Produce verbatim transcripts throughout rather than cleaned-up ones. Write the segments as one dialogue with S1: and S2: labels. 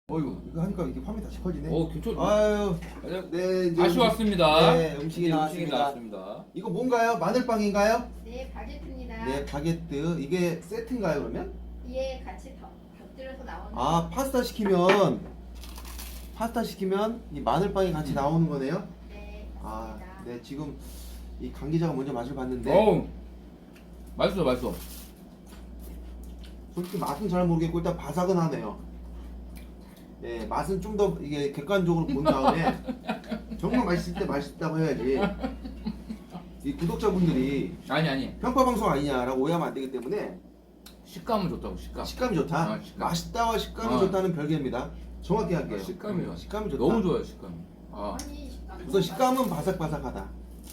S1: 어유 이거 하니까 이게 화면이 다시 커지네.
S2: 어, 괜찮.
S1: 아유, 네 이제
S2: 다시
S1: 음식-
S2: 왔습니다.
S1: 네, 음식이
S2: 네,
S1: 나왔습니다.
S2: 나왔습니다.
S1: 이거 뭔가요? 마늘빵인가요?
S3: 네, 바게트입니다.
S1: 네, 바게트. 이게 세트인가요, 그러면?
S3: 이에 같이 더, 곁들여서 나오는
S1: 아, 파스타 시키면 파스타 시키면 이 마늘빵이 같이 나오는 거네요.
S3: 네,
S1: 아,
S3: 맞습니다.
S1: 네 지금 이 강 기자가 먼저 맛을 봤는데
S2: 어우, 맛있어, 맛있어.
S1: 솔직히 맛은 잘 모르겠고 일단 바삭은 하네요. 예, 맛은 좀 더 이게 객관적으로 본 다음에 정말 맛있을 때 맛있다고 해야지. 이 구독자분들이
S2: 아니 아니.
S1: 평가 방송 아니냐라고 오해하면 안 되기 때문에
S2: 식감은 좋다고 식감.
S1: 식감이 좋다.
S2: 아, 식감.
S1: 맛있다와 식감이
S2: 아.
S1: 좋다는 별개입니다. 정확히 할게요.
S2: 아, 식감이 좋아.
S1: 식감이 좋다.
S2: 너무 좋아요 식감이. 아,
S3: 아니, 식감이
S1: 우선 식감은 바삭바삭하다.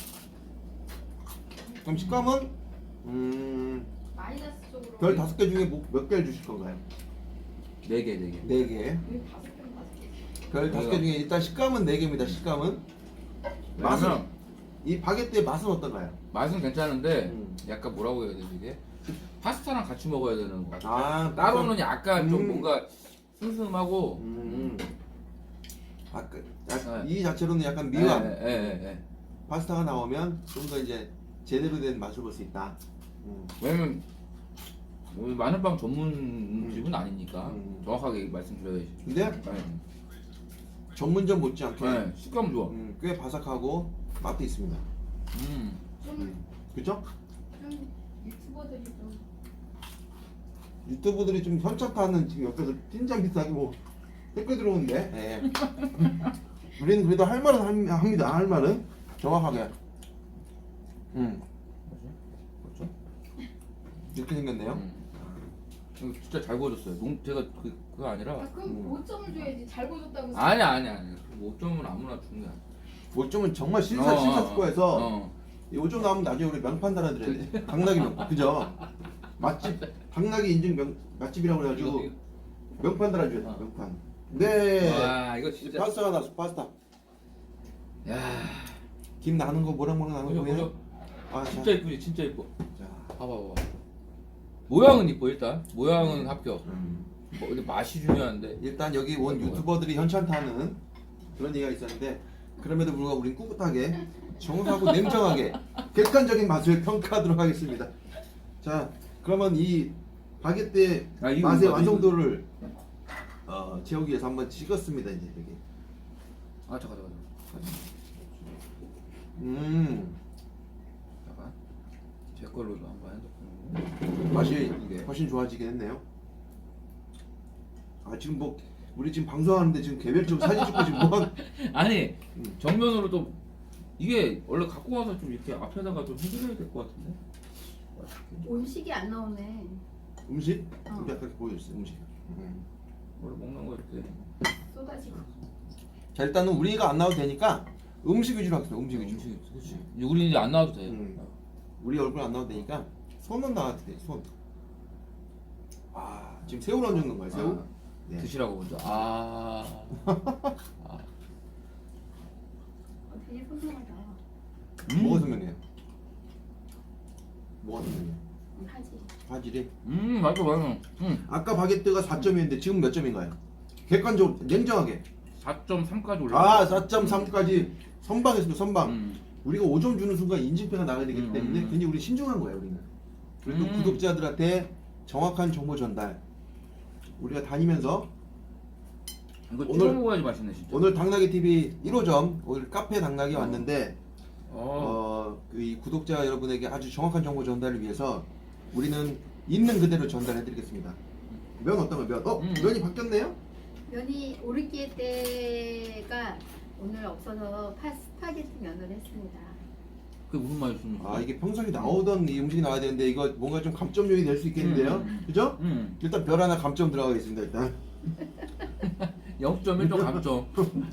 S1: 그럼 식감은 음,
S3: 마이너스 쪽으로
S1: 별 다섯 개 중에 뭐- 몇 개를 주실 건가요?
S2: 네 개, 네 개.
S1: 네 개.
S3: 왜 다섯 개는 다섯 개?
S1: 별 다섯 개 중에 일단 식감은 네 개입니다. 식감은 맛은
S2: 왜냐면
S1: 이 바게트의 맛은 어떤가요?
S2: 맛은 괜찮은데
S1: 음.
S2: 약간 뭐라고 해야 되지 이게? 파스타랑 같이 먹어야 되는 것 같아.
S1: 아
S2: 따로는 약간 좀
S1: 음.
S2: 뭔가 슴슴하고.
S1: 음. 아, 그, 야,
S2: 네.
S1: 이 자체로는 약간 미묘한
S2: 예, 예, 예, 예.
S1: 파스타가 나오면 좀 더 이제 제대로 된 맛을 볼 수 있다. 음.
S2: 왜냐면 우리 마늘빵 전문 집은 아니니까
S1: 음.
S2: 정확하게 말씀드려야지.
S1: 근데
S2: 네.
S1: 전문점 못지않게
S2: 네, 식감 좋아.
S1: 음, 꽤 바삭하고 맛도 있습니다.
S2: 음.
S3: 좀,
S1: 음. 그죠?
S3: 좀 유튜버들이 좀
S1: 유튜브들이 좀 현착하는 지금 옆에서 찐장 비슷하게 뭐 댓글 들어오는데 예. 우리는 그래도 할 말은 함- 합니다. 할 말은 정확하게. 음
S2: 그렇죠?
S1: 이렇게 생겼네요.
S2: 음. 이거 진짜 잘 구워졌어요. 농 제가 그 그거 아니라.
S3: 아, 그럼
S1: 음.
S3: 오 점을 줘야지. 잘 구워줬다고.
S2: 아니 아니 아니. 오 점은 아무나 주는 게 아니야.
S1: 오 점은 정말
S2: 어,
S1: 실사
S2: 어,
S1: 실사스코에서
S2: 어.
S1: 이 오 점 나오면 나중에 우리 명판 달아드려야 돼. 당나귀 명판. 그죠? 맛집 당나귀 인증 명 맛집이라고 그래가지고
S2: 이거-
S1: 명판 달아줘야 돼.
S2: 어.
S1: 명판. 네.
S2: 와 이거 진짜.
S1: 파스타가 나왔어. 파스타.
S2: 야.
S1: 김 나는 거 뭐랑 뭐랑 나는
S2: 보죠
S1: 거 보여?
S2: 보죠.
S1: 아, 자.
S2: 진짜 이쁘지 진짜 이뻐.
S1: 자.
S2: 봐봐 봐봐. 모양은 이뻐 일단. 모양은 합격.
S1: 음.
S2: 뭐 근데 맛이 중요한데.
S1: 일단 여기 온 유튜버들이 현찬타는 그런 얘기가 있었는데 그럼에도 불구하고 우린 꿋꿋하게 정확하고 냉정하게 객관적인 맛을 평가하도록 하겠습니다. 자, 그러면 이 바게트의
S2: 아, 이거
S1: 맛의
S2: 이거
S1: 완성도를 어, 채우기 위해서 한번 찍었습니다. 이제 여기.
S2: 아 잠깐 잠깐. 잠깐.
S1: 음,
S2: 잠깐. 제 걸로도 한번 핸드폰.
S1: 맛이
S2: 이게.
S1: 훨씬 좋아지긴 했네요. 아, 지금 뭐 우리 지금 방송하는데 지금 개별적으로 사진 찍고 지금 뭐 한-
S2: 아니
S1: 음.
S2: 정면으로 또 이게 원래 갖고 와서 좀 이렇게 앞에다가 좀 해드려야 될 것 같은데.
S3: 음식이 안 나오네.
S1: 음식?
S3: 어.
S1: 우리 아까 보여줬어요. 음식. 음.
S2: 원래 먹는 거 이렇게.
S3: 쏟아지고.
S1: 자, 일단은 우리가 안 나와도 되니까 음식 위주로 하겠습니다. 음식 위주로.
S2: 음식 그렇지. 우리 이제 안 나와도 돼.
S1: 음. 우리 얼굴 안 나와도 되니까 손은 나와도 돼. 손. 아, 지금 새우를 얹는 건가요? 새우?
S2: 아,
S1: 네.
S2: 드시라고 먼저. 아. 아.
S3: 어, 되게 소중하다.
S2: 음.
S1: 뭐가 선명해요? 뭐가 선명해요?
S3: 음, 하지.
S1: 바질이.
S2: 음 맞아 맞아. 음.
S1: 아까 바게트가 사 점이었는데 지금 몇 점인가요? 객관적으로 냉정하게.
S2: 사 점 삼까지 올라.
S1: 아, 사 점 삼까지 선방했습니다. 선방.
S2: 음.
S1: 우리가 오 점 주는 순간 인증표가 나가야 되기
S2: 음,
S1: 때문에
S2: 음.
S1: 굉장히 우리 신중한 거예요. 우리는. 그래도
S2: 음.
S1: 구독자들한테 정확한 정보 전달. 우리가 다니면서
S2: 이거
S1: 오늘-
S2: 찍어 먹어야지 맛있네 진짜.
S1: 오늘 당나귀 티비 일 호점 오늘 카페 당나귀
S2: 어.
S1: 왔는데
S2: 어.
S1: 어, 그이 구독자 여러분에게 아주 정확한 정보 전달을 위해서 우리는 있는 그대로 전달해드리겠습니다. 면 어떤 거 면? 어?
S2: 음.
S1: 면이 바뀌었네요?
S3: 면이 오르기에 때가 오늘 없어서 파, 스파게티 면을 했습니다.
S2: 그게 무슨 맛이었습니
S1: 아 이게 평소에 나오던 이 음식이 나와야 되는데 이거 뭔가 좀 감점용이 될 수 있겠는데요?
S2: 음.
S1: 그죠?
S2: 음.
S1: 일단 별 하나 감점 들어가겠습니다. 일단
S2: 영 점 일 점 감점.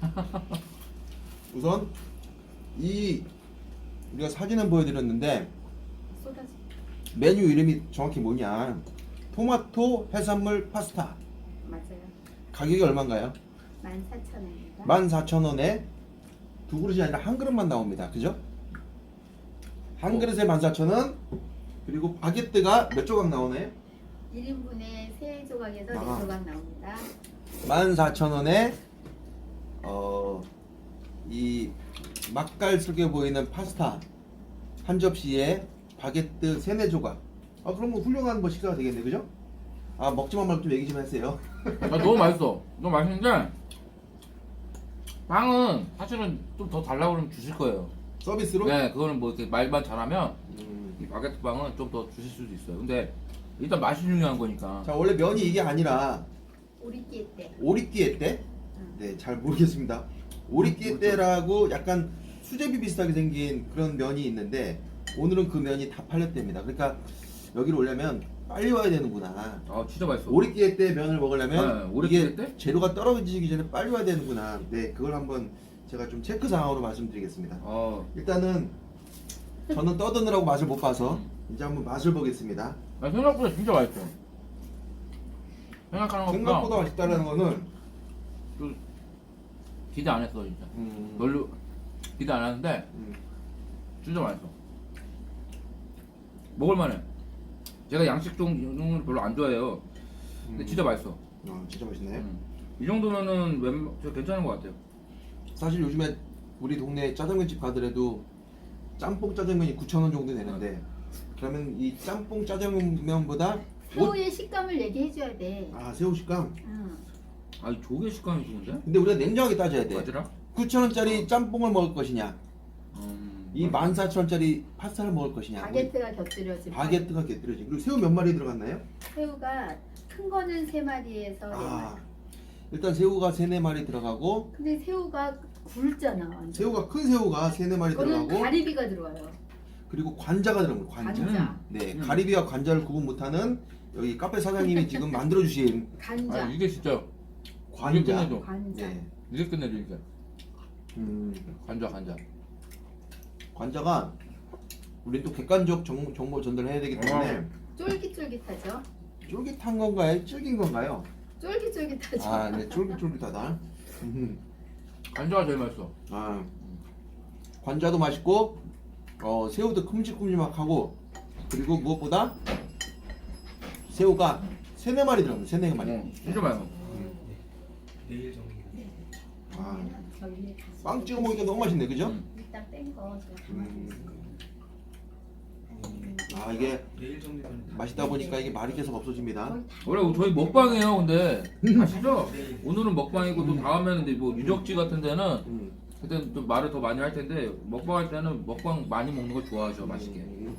S1: 우선 이 우리가 사진은 보여드렸는데
S3: 쏟아지.
S1: 메뉴 이름이 정확히 뭐냐? 토마토 해산물 파스타.
S3: 맞아요.
S1: 가격이 얼마인가요?
S3: 만 사천 원입니다.
S1: 만 사천 원에 두 그릇이 아니라 한 그릇만 나옵니다. 그죠? 한
S2: 어.
S1: 그릇에 만 사천 원. 그리고 바게트가 몇 조각 나오나요?
S3: 일 인분에 세 조각에서
S1: 아.
S3: 네 조각 나옵니다.
S1: 만 사천 원에 어, 이 맛깔스럽게 보이는 파스타 한 접시에 바게트 세네 조각. 아 그럼 뭐 훌륭한 뭐 식사가 되겠네, 그죠? 아 먹지만 말고 좀 얘기 좀 하세요.
S2: 아, 너무 맛있어. 너무 맛있는데 빵은 사실은 좀 더 달라고 그러면 주실 거예요.
S1: 서비스로?
S2: 네, 그거는 뭐 이렇게 말만 잘하면
S1: 음.
S2: 이 바게트 빵은 좀 더 주실 수도 있어요. 근데 일단 맛이 중요한 거니까.
S1: 자 원래 면이 이게 아니라
S3: 오리끼에 때.
S1: 오리띠에 때? 네, 잘 모르겠습니다. 오리띠에 때라고 약간 수제비 비슷하게 생긴 그런 면이 있는데 오늘은 그 면이 다 팔렸답니다. 그러니까 여기로 오려면 빨리 와야 되는구나.
S2: 아 진짜 맛있어.
S1: 오리띠에 때 면을 먹으려면
S2: 네, 오리띠에
S1: 이게
S2: 때?
S1: 재료가 떨어지기 전에 빨리 와야 되는구나. 네, 그걸 한번 제가 좀 체크 상황으로 말씀드리겠습니다.
S2: 어,
S1: 일단은 저는 떠드느라고 맛을 못 봐서 이제 한번 맛을 보겠습니다.
S2: 아, 생각보다 진짜 맛있어. 생각하는 것보다
S1: 생각보다 맛있다는 거는
S2: 좀 기대 안 했어 진짜.
S1: 음,
S2: 별로 기대 안 하는데
S1: 음,
S2: 진짜 맛있어. 먹을만해. 제가 양식 종류는 별로 안 좋아해요. 근데
S1: 음.
S2: 진짜 맛있어.
S1: 아, 진짜 맛있네.
S2: 음. 이 정도면은 웬, 저 괜찮은 것 같아요.
S1: 사실 요즘에 우리 동네 짜장면집 가더라도 짬뽕 짜장면이 구천 원 정도 되는데 그러면 이 짬뽕 짜장면보다
S3: 새우의 식감을 얘기해줘야 돼.
S1: 아 새우 식감.
S3: 응.
S2: 아, 이 조개 식감이 좋은데?
S1: 근데 우리가 냉정하게 따져야 돼.
S2: 맞으라?
S1: 구천 원짜리 짬뽕을 먹을 것이냐,
S2: 음,
S1: 이 만 사천 원짜리 파스타를 먹을 것이냐.
S3: 바게트가 곁들여진.
S1: 바게트가 곁들여진. 그리고 새우 몇 마리 들어갔나요?
S3: 새우가 큰 거는 세 마리에서 네
S1: 아
S3: 마리.
S1: 일단 새우가 세네 마리 들어가고
S3: 근데 새우가 굵잖아. 완전.
S1: 새우가 큰 새우가 세네 마리
S3: 그거는
S1: 들어가고
S3: 가리비가 들어와요.
S1: 그리고 관자가 들어갑니다. 관자.
S3: 관자.
S1: 네,
S2: 음.
S1: 가리비와 관자를 구분 못하는 여기 카페 사장님이 지금 만들어 주신
S3: 간자.
S2: 아, 이게 진짜
S1: 관자.
S2: 이게 끝내줘.
S3: 관자.
S1: 네.
S2: 이게 끝내줘 이게.
S1: 음,
S2: 간자 간자.
S1: 관자가 우리 또 객관적 정, 정보 전달해야 되기 때문에
S3: 쫄깃쫄깃하죠.
S1: 쫄깃한 건가요? 질긴 건가요?
S3: 쫄깃쫄깃하죠.
S1: 아, 네, 쫄깃쫄깃하다. 음,
S2: 간자가 제일 맛있어.
S1: 아, 관자도 맛있고, 어, 새우도 큼직큼직하고, 그리고 무엇보다 새우가 세네 마리 들어갑니다. 세네 마리.
S2: 어, 진짜 맛있어.
S4: 내일 정리.
S1: 아,
S3: 저희
S1: 빵 찍어 먹으니까 너무 맛있네, 그죠?
S2: 음.
S3: 일단 뺀거 제가
S1: 음.
S3: 가만히 있을게요.
S1: 아, 이게
S4: 내일 정리는
S1: 맛있다 보니까 이게 말이 계속 없어집니다.
S3: 거의 다
S2: 원래 저희 먹방이에요. 근데 아시죠?
S4: 내일.
S2: 오늘은 먹방이고 또 다음에는 이제 뭐 유적지 같은 데는
S1: 음.
S2: 그때는 좀 말을 더 많이 할 텐데 먹방할 때는 먹방 많이 먹는 걸 좋아하죠. 맛있게.
S1: 음.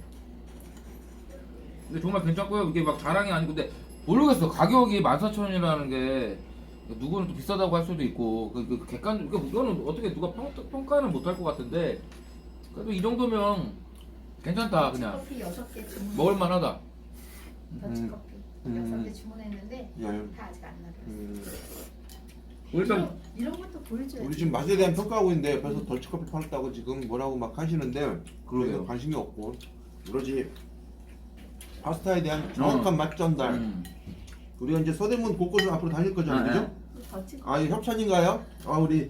S2: 근데 정말 괜찮고요. 이게 막 자랑이 아니고 근데 모르겠어. 가격이 만 사천 원이라는 게 누구는 또 비싸다고 할 수도 있고 그, 그 객관 그 이거는 어떻게 누가 평, 평가는 못 할 것 같은데 그래도 이 정도면 괜찮다 그냥
S3: 커피 여섯 개 주문.
S2: 먹을 만하다.
S3: 더치커피
S1: 음.
S3: 여섯 개 주문했는데
S1: 열.
S3: 다 아직 안 나왔어요.
S1: 음.
S2: 일단
S3: 이런, 이런 것도 보여줘야
S1: 우리 지금 맛에 대한 평가하고 있는데 옆에서 덜치커피 팔았다고 지금 뭐라고 막 하시는데
S2: 그러게요.
S1: 저희는 관심이 없고 그러지 파스타에 대한 정확한 맛 전달.
S2: 음.
S1: 우리가 이제 서대문 곳곳을 앞으로 다닐 거잖아요,
S2: 네.
S1: 그죠?
S3: 더치커피.
S1: 아, 이 협찬인가요? 아, 우리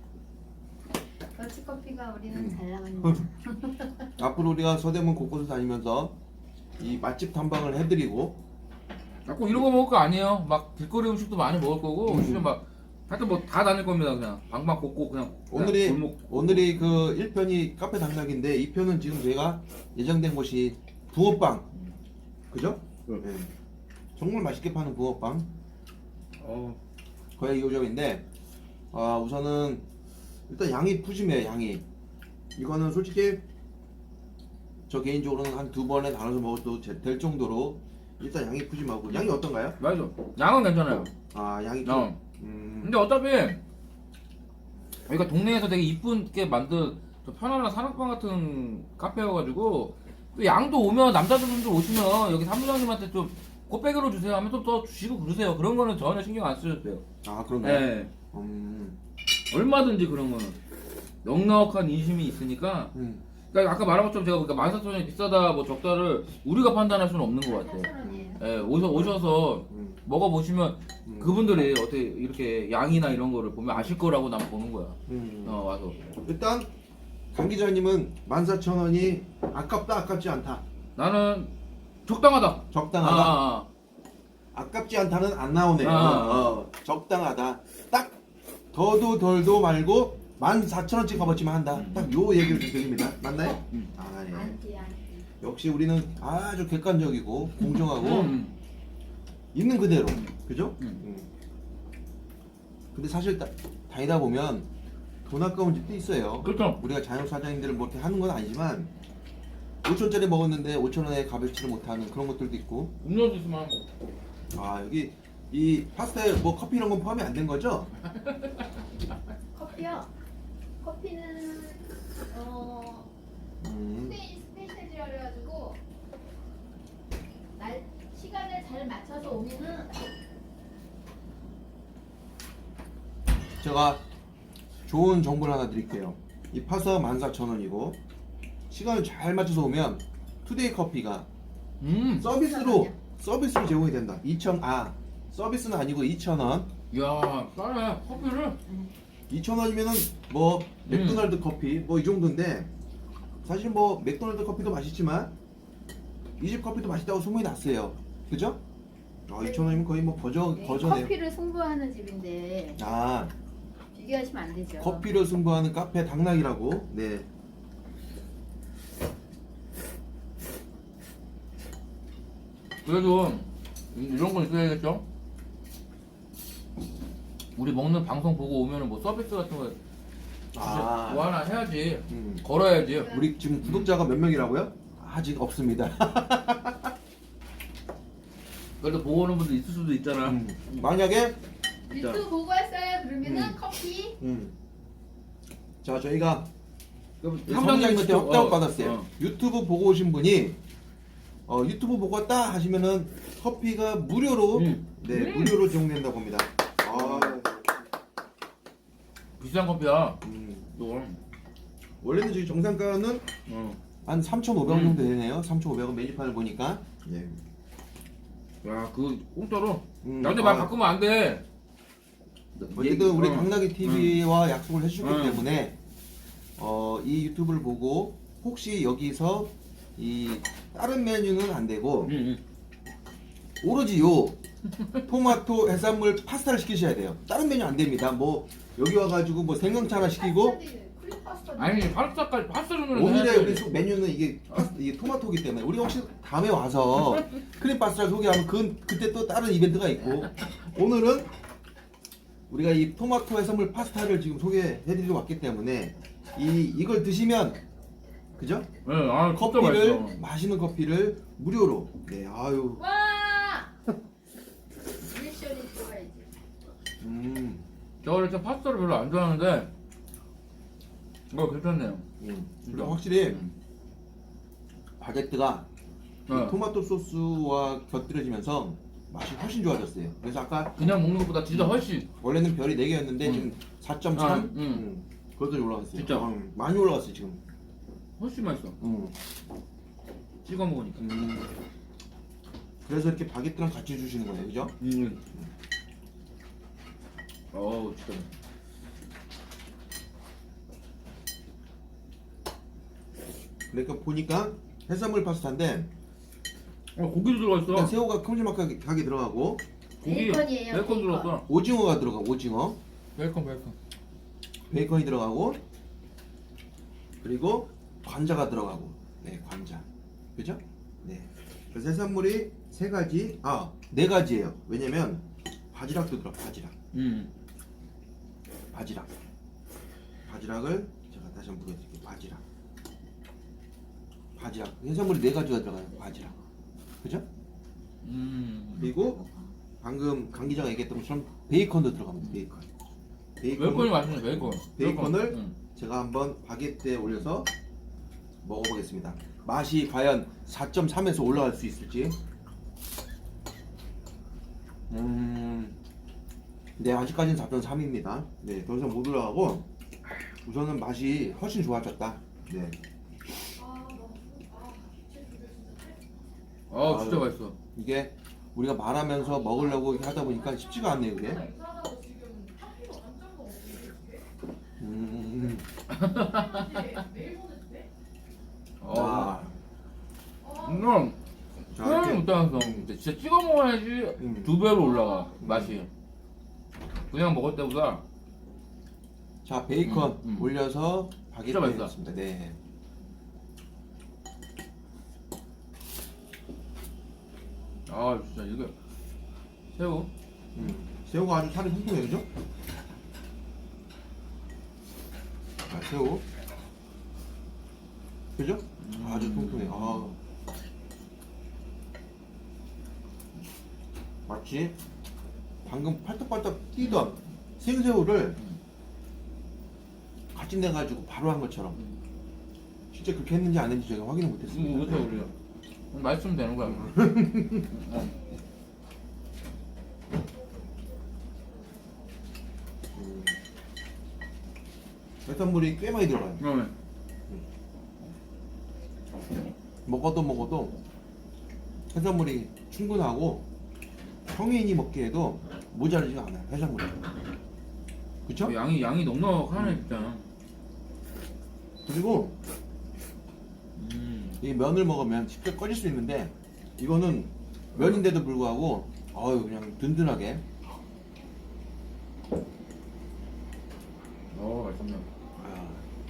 S3: 더치커피가 우리는
S1: 음.
S3: 잘 나갑니다.
S1: 앞으로 우리가 서대문 곳곳을 다니면서 이 맛집 탐방을 해드리고
S2: 자꾸 이런 거 먹을 거 아니에요. 막 길거리 음식도 많이 먹을 거고
S1: 음.
S2: 진짜 막 하여튼 뭐 다 다닐 겁니다. 그냥 방방 곳곳 그냥
S1: 오늘이
S2: 그냥 골목.
S1: 오늘이 그 일 편이 카페 당락인데 이 편은 지금 저희가 예정된 곳이 붕어빵, 그죠? 네. 정말 맛있게 파는 붕어빵.
S2: 어,
S1: 거의 이 점인데 아 우선은 일단 양이 푸짐해요. 양이 이거는 솔직히 저 개인적으로는 한 두 번에 나눠서 먹어도 제- 될 정도로 일단 양이 푸짐하고 양이 어떤가요?
S2: 맞아. 양은 괜찮아요.
S1: 아 양이 좀
S2: 어.
S1: 음,
S2: 근데 어차피 여기가 동네에서 되게 이쁘게 만든 저 편안한 사랑방 같은 카페여가지고 또 양도 오면 남자분들 오시면 여기 사무장님한테 좀 꽃배기로 주세요 하면 또 더 주시고 그러세요. 그런 거는 전혀 신경 안 쓰셔도 돼요.
S1: 아 그런가요?
S2: 네.
S1: 음,
S2: 얼마든지 그런 거는 넉넉한 인심이 있으니까.
S1: 음,
S2: 그러니까 아까 말한 것처럼 제가 그러니까 만 사천 원이 비싸다 뭐 적다를 우리가 판단할 수는 없는 것 같아요.
S3: 사천 원이에요.
S2: 예, 오셔 오셔서
S1: 음,
S2: 먹어보시면
S1: 음,
S2: 그분들이 어떻게 이렇게 양이나 이런 거를 보면 아실 거라고 난 보는 거야.
S1: 음.
S2: 어 와서.
S1: 일단 강 기자님은 만 사천 원이 아깝다 아깝지 않다
S2: 나는 적당하다.
S1: 적당하다.
S2: 아, 아,
S1: 아깝지 않다는 안 나오네요.
S2: 아.
S1: 어, 적당하다. 딱 더도 덜도 말고 만 사천 원씩 값어치만 한다.
S2: 음.
S1: 딱 요 얘기를 좀 드립니다. 맞나요?
S2: 음.
S1: 아 예.
S3: 안티 안티.
S1: 역시 우리는 아주 객관적이고 공정하고
S2: 음.
S1: 있는 그대로, 그죠?
S2: 음.
S1: 음. 근데 사실 다, 다니다 보면 돈 아까운 집도 있어요.
S2: 그렇죠.
S1: 우리가 자영업 사장님들을 뭐 이렇게 하는 건 아니지만 오천짜리 먹었는데 오천 원에 값을치를 못하는 그런 것들도 있고.
S2: 음료수 있으면 하고.
S1: 아 여기 이 파스타에 뭐 커피 이런 건 포함이 안 된 거죠?
S3: 커피요. 커피는 어
S1: 음.
S3: 스페인 스페셜이라 그래가지고 날 시간을 잘 맞춰서 오면은
S1: 제가 좋은 정보를 하나 드릴게요. 이 파스타가 만 사천 원이고 시간을 잘 맞춰서 오면 투데이 커피가
S2: 음.
S1: 서비스로 서비스로 제공이 된다. 이천 아 서비스는 아니고 이천 원.
S2: 야, 싸네. 커피를.
S1: 이천 원이면은 뭐 맥도날드 커피 뭐 이 정도인데 사실 뭐 맥도날드 커피도 맛있지만 이 집 커피도 맛있다고 소문이 났어요. 그죠? 아, 이천 원이면 거의 뭐 버전
S3: 네,
S1: 버전에
S3: 커피를 승부하는 집인데
S1: 아
S3: 비교하시면 안 되죠.
S1: 커피를 승부하는 카페 당락이라고. 네.
S2: 그래도 이런 건 있어야겠죠? 우리 먹는 방송 보고 오면은 뭐 서비스 같은 거
S1: 아.
S2: 뭐 하나 해야지.
S1: 음.
S2: 걸어야지.
S1: 우리 지금 구독자가 몇 명이라고요? 아직 없습니다.
S2: 그래도 보고 오는 분들 있을 수도 있잖아.
S1: 음. 만약에
S3: 유튜브 보고 왔어요. 그러면은
S1: 음.
S3: 커피
S1: 음. 자 저희가
S2: 그럼
S1: 사장님한테
S2: 직접-
S1: 확답
S2: 어,
S1: 받았어요.
S2: 어.
S1: 유튜브 보고 오신 분이 어, 유튜브 보고 왔다 하시면은 커피가 무료로
S2: 음.
S1: 네
S2: 음.
S1: 무료로 제공된다고 합니다. 아,
S2: 비싼 커피야.
S1: 음.
S2: 또.
S1: 원래는 저희 정상가는
S2: 어.
S1: 한 삼천오백 원
S2: 음.
S1: 정도 되네요. 삼천오백 원 메뉴판을 보니까. 예.
S2: 야, 그 공짜로.
S1: 음,
S2: 나한테
S1: 아.
S2: 말 바꾸면 안 돼.
S1: 어쨌든 우리
S2: 어.
S1: 당나귀 티비와 약속을 해주셨기
S2: 음.
S1: 때문에 어, 이 유튜브를 보고 혹시 여기서 이 다른 메뉴는 안 되고
S2: 응, 응.
S1: 오로지 요 토마토 해산물 파스타를 시키셔야 돼요. 다른 메뉴 안 됩니다. 뭐 여기 와가지고 뭐 생강차 하나 시키고
S3: 크림 파스타.
S2: 아니 파스타까지 파스타 정도는
S1: 오늘의
S2: 해야지.
S1: 우리 소- 메뉴는 이게 파스, 이게 토마토기 때문에 우리 혹시 다음에 와서 크림 파스타를 소개하면 그 그때 또 다른 이벤트가 있고 오늘은 우리가 이 토마토 해산물 파스타를 지금 소개해드리러 왔기 때문에 이 이걸 드시면 그죠?
S2: 네, 아, 진짜
S1: 커피를
S2: 맛있어.
S1: 마시는 커피를 무료로 네 아유
S3: 와. 리액션이 들어가야지.
S1: 음,
S2: 저 원래 저 파스타를 별로 안 좋아하는데 이거 괜찮네요.
S1: 음.
S2: 진짜.
S1: 그리고 확실히
S2: 음.
S1: 바게트가 이
S2: 네.
S1: 토마토 소스와 곁들여지면서 맛이 훨씬 좋아졌어요. 그래서 아까
S2: 그냥 먹는 것보다 진짜 훨씬.
S1: 원래는 별이 네 개였는데
S2: 음.
S1: 지금 사 점 삼
S2: 아,
S1: 음.
S2: 음.
S1: 그것도 올라갔어요.
S2: 진짜?
S1: 음, 많이 올라갔어요 지금.
S2: 훨씬 맛있어.
S1: 음.
S2: 찍어 먹으니까.
S1: 음. 그래서 이렇게 바게트랑 같이 주시는 거예요, 그죠?
S2: 음. 어우 진짜.
S1: 그러니까 보니까 해산물 파스타인데
S2: 어 고기도 들어가 있어.
S1: 일단 새우가 큼지막하게 들어가고
S2: 고기
S3: 베이컨이에요,
S2: 베이컨
S3: 베이컨.
S2: 들어갔어.
S1: 오징어가 들어가 오징어
S2: 베이컨 베이컨.
S1: 베이컨이 들어가고 그리고 관자가 들어가고 네 관자 그죠? 네 그래서 해산물이 세 가지 아 네 가지예요. 왜냐면 바지락도 들어 바지락
S2: 음.
S1: 바지락 바지락을 제가 다시 한번 보여드릴게요. 바지락 바지락 해산물이 네 가지가 들어가요. 바지락 그죠?
S2: 음.
S1: 그리고 방금 강 기자가 얘기했던 것처럼 베이컨도 들어갑니다. 베이컨
S2: 베이컨이 맛있네 베이컨.
S1: 베이컨을
S2: 음.
S1: 제가 한번 바게트에 올려서 먹어보겠습니다. 맛이 과연 사 점 삼에서 올라갈 수 있을지. 음, 네 아직까지는 사 점 삼입니다. 네, 더 이상 못 올라가고 우선은 맛이 훨씬 좋아졌다. 네,
S2: 아 진짜
S1: 아유.
S2: 맛있어.
S1: 이게 우리가 말하면서 먹으려고 이렇게 하다 보니까 쉽지가 않네요, 그게. 음,
S2: 어.
S1: 아,
S2: 음.
S1: 자, 이렇게
S2: 중탕성. 근데 진짜 찍어 먹어야지
S1: 음.
S2: 두 배로 올라가 맛이. 그냥 먹을 때보다.
S1: 자 베이컨
S2: 음, 음.
S1: 올려서
S2: 진짜
S1: 바게트
S2: 맛있다.
S1: 했습니다. 네.
S2: 아 진짜 이게 새우.
S1: 음. 새우가 아주 살이 통통해요, 그죠? 자, 새우. 그죠? 아주 통통해. 아. 마치 방금 팔떡팔떡 뛰던 생새우를 같이 내가지고 바로 한 것처럼. 진짜 그렇게 했는지 안 했는지 제가 확인을
S2: 이거
S1: 못했습니다.
S2: 못해 우리가. 맛있으면 되는 거야. 어.
S1: 음. 해산물이 꽤 많이 들어가요.
S2: 그러면
S1: 먹어도 먹어도 해산물이 충분하고 성인이 먹기에도 모자르지가 않아요. 해산물이. 그쵸?
S2: 양이 양이 넉넉하네 진짜.
S1: 그리고
S2: 음.
S1: 이 면을 먹으면 쉽게 꺼질 수 있는데 이거는 면인데도 불구하고 어유 그냥 든든하게.
S2: 어 맛있네.
S1: 아.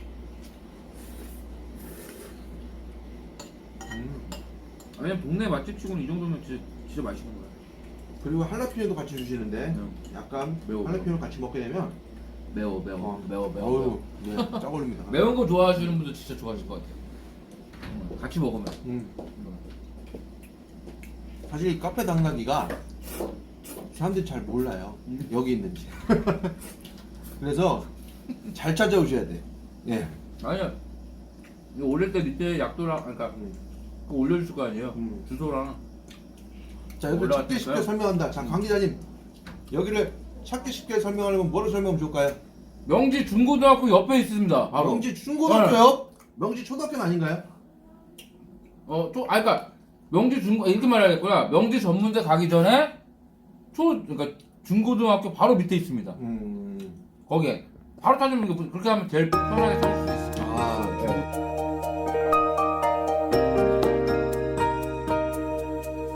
S1: 음.
S2: 아니면 동네 맛집치고는 이 정도면 진짜 진짜 맛있는 거야.
S1: 그리고 할라피뇨도 같이 주시는데
S2: 음.
S1: 약간
S2: 매워,
S1: 할라피뇨 같이 먹게 되면
S2: 매워 매워
S1: 어,
S2: 매워 매워.
S1: 어우, 네, 쫙 올립니다.
S2: 매운 거 좋아하시는 분들 진짜 좋아하실 것 같아요. 음, 같이 먹으면.
S1: 음.
S2: 음.
S1: 사실 이 카페 당나귀가 사람들이 잘 몰라요.
S2: 음.
S1: 여기 있는지. 그래서 잘 찾아오셔야 돼. 예.
S2: 아니야. 이거 올릴 때 밑에 약도랑 그러니까
S1: 음.
S2: 그거 올려줄 거 아니에요.
S1: 음.
S2: 주소랑.
S1: 자, 여기
S2: 올라갈
S1: 찾기 쉽게
S2: 테니까요.
S1: 설명한다. 자, 강 기자님. 여기를 찾기 쉽게 설명하려면 뭐로 설명하면 좋을까요?
S2: 명지 중고등학교 옆에 있습니다. 바로.
S1: 명지 중고등학교요? 명지 초등학교는 아닌가요?
S2: 어, 또, 아, 그니까, 명지 중, 이렇게 말해야겠구나. 명지 전문대 가기 전에, 초, 그니까, 중고등학교 바로 밑에 있습니다.
S1: 음.
S2: 거기에. 바로 찾으면, 이거 그렇게 하면 제일 편하게 찾을 수 있습니다.
S1: 아,